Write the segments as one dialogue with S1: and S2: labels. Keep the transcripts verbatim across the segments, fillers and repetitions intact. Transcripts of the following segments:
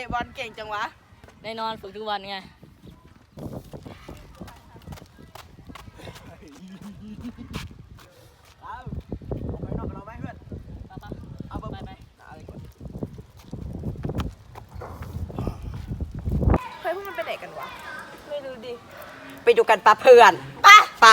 S1: บอลเก่งจังวะ
S2: แน่นอนฝึกทุกวันไง
S1: เฮ้ยพวกมันไปไหนกันวะไม่รู้ดิ
S3: ไปดูกันปะเพื่อนปะปะ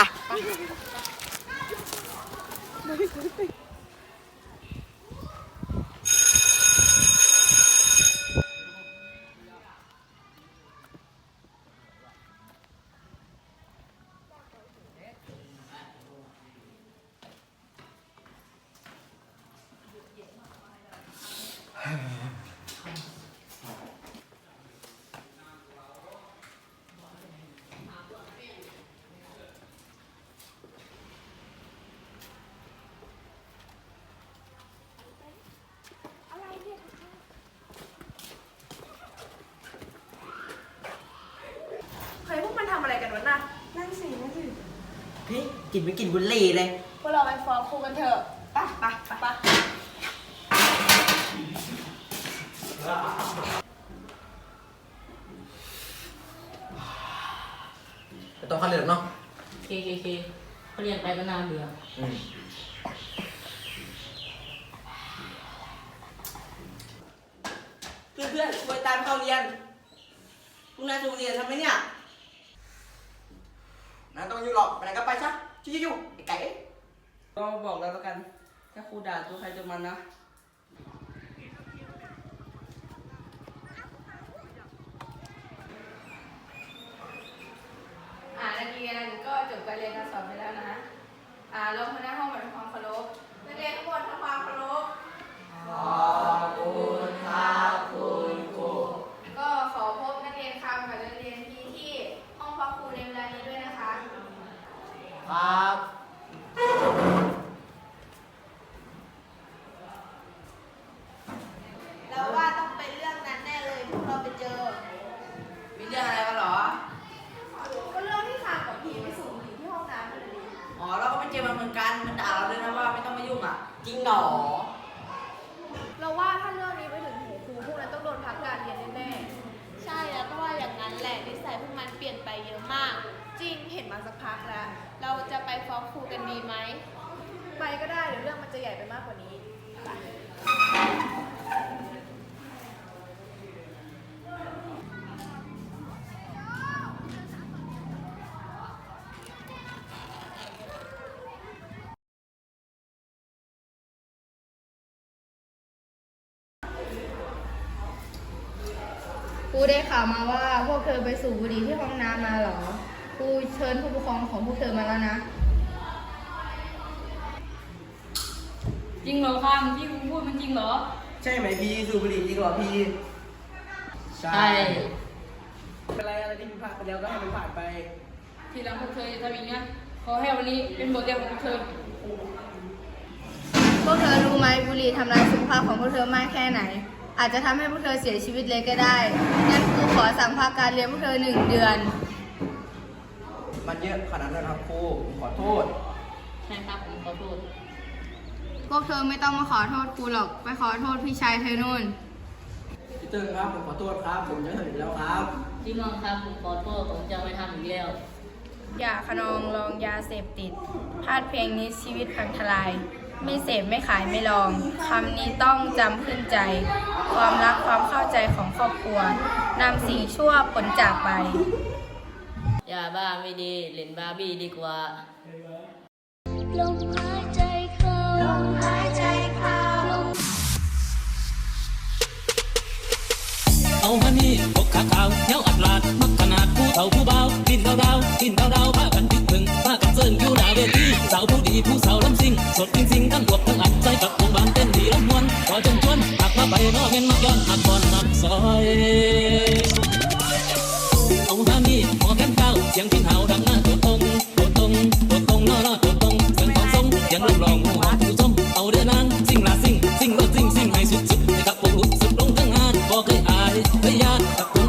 S1: เฮ้ยพวกมันทำอะไรกันวะน่ะนั่นสินั่นสิ
S3: เฮ้ยกลิ่นไม่กลิ่นบุหรี่เลย
S1: พวกเราไปฟ้องครูกันเถอะไปไปไป
S3: ไปต้องเข้าเรียนเนาะ
S2: เคเคเคเขาเรียนไปก็นานเบื่อ
S3: เพื่อนเพื่อนไปตามเข้าเรียนพรุ่งนี้จะเรียนทำไหมเนี่ยนั่นต้องอยู่หรอกไปไหนก็ไปซะชิวๆไอ้ไก่ก็บอกแล้วแล้วกันถ้าครูด่าตัวใครตัวมันนะ
S1: อ่านักเรียนก็จบการเรียนการสอนไปแล้วนะอ่าลงมาหน้าห้องมาทำความเคารพนักเรียนทุกคนทำความเคารพ
S3: ขอบคุณครับคุณครู
S1: ก็ขอพบนักเรียนคำกับนักเรียนพีที่ห้องพักครูในเวลานี้ด้วยนะคะ
S3: ครับ
S1: แล้วว่าต้องเป็นเรื่องนั้นแน่เลยพวกเราไปเจอ
S3: มีเรื่องอะไรกันหรอ
S1: ก็เรื่องที่คำกับพีไปสูบบุหรี่ที่ห้องน้ำนั่นแหละดิ
S3: อ๋อเราก็ไปเจอมาเหมือนกันมันด่าเราเลยนะว่าไม่ต้องมายุ่งอ่ะจริงหรอ
S1: เราว่าถ้าเรื่องนี้ไปถึงหูครูพวกนั้นต้องโดนพักการเรียนแน่
S4: ใช่แล้วก็ว่าอย่างนั้นแหละนิสัยพวกมันเปลี่ยนไปเยอะมาก
S1: จริงเห็นมาสักพักแล้ว
S4: เราจะไปฟ้องครูกันดีไหม
S1: ไปก็ได้เดี๋ยวเรื่องมันจะใหญ่ไปมากกว่านี้
S4: ครูได้ข่าวมาว่าพวกเธอไปสูบบุหรี่ที่ห้องน้ำมาเหรอครูเชิญผู้ปกครองของพวกเธอมาแล้วนะ
S2: จริงเหรอครับที่ครูพูดมันจริงเหรอ
S3: ใช่ไหมพี่สูบบุหรี่จริงเหรอพี่
S2: ใช่
S3: เป็นไรอะไรที่ผิดพลาดไปแล้วก็ให้มันผ่านไป
S2: ทีหลังพวกเธอจะทำอย่างนี้ขอให้วันนี้เป็นบทเรียนของพวกเธอ
S4: พวกเธอรู้ไหมบุหรี่ทำลายสุขภาพของพวกเธอมากแค่ไหนอาจจะทำให้พวกเธอเสียชีวิตเลยก็ได้งั้นครูขอสั่งพักการเรียนพวกเธอหนึ่งเดือน
S3: มันเยอะขนาดนั้นครับครูขอโทษ
S2: ใช่ครับผมขอโทษ
S4: พวกเธอไม่ต้องมาขอโทษครูหรอกไปขอโทษพี่ชายเธอนู่น
S3: พี่เติ้งครับผมขอโทษครับผมจะทำอีกแล้วครับ
S2: พี่น้องครับผมขอโทษผมจะไม่ทำอีกแล้ว
S4: อย่าขนองลองยาเสพติดพลาดเพียงนี้ชีวิตพังทลายไม่เสพไม่ขายไม่ลองคำนี้ต้องจำขึ้นใจความรักความเข้าใจของครอบครัวนำสิ่งชั่วผลจากไป
S2: อย่าบ้าไม่ดีเล่นบาร์บี้ดีกว่า
S5: ลมหายใจเข้าลมหายใจเข้า
S6: เอามานี่พกขาขาวเย้าอัดลาดมักขนาดผู้เฒ่าผู้เบากินดาวดาวกินดาวดาวพากันดึกถึงพากันเซิร์นอยู่หน้าเวทีสาวผู้ดีผู้สาวลำซิ่งสดจริงๆทั้งบวกทั้งอัดใจกับวงบานเต้นดีลำมวนขอจนชวนหักมาไปนอเงินมาย้อนหักบอลหักซอยเอามานี่หมอแก้มเก้าเสียงพิ้งเห่าดังหน้าตัวตรงตัวตรงตัวตรงนอรอตัวตรงเสียงของทรงเสียงลูกหลองหัวผู้ชมเอาเดินนางซิ่งลาซิ่งซิ่งรถซิ่งซิ่งให้สุดๆให้กับพวกลุกสุดลงทั้งงานบอกเคยอายเคยยานกับ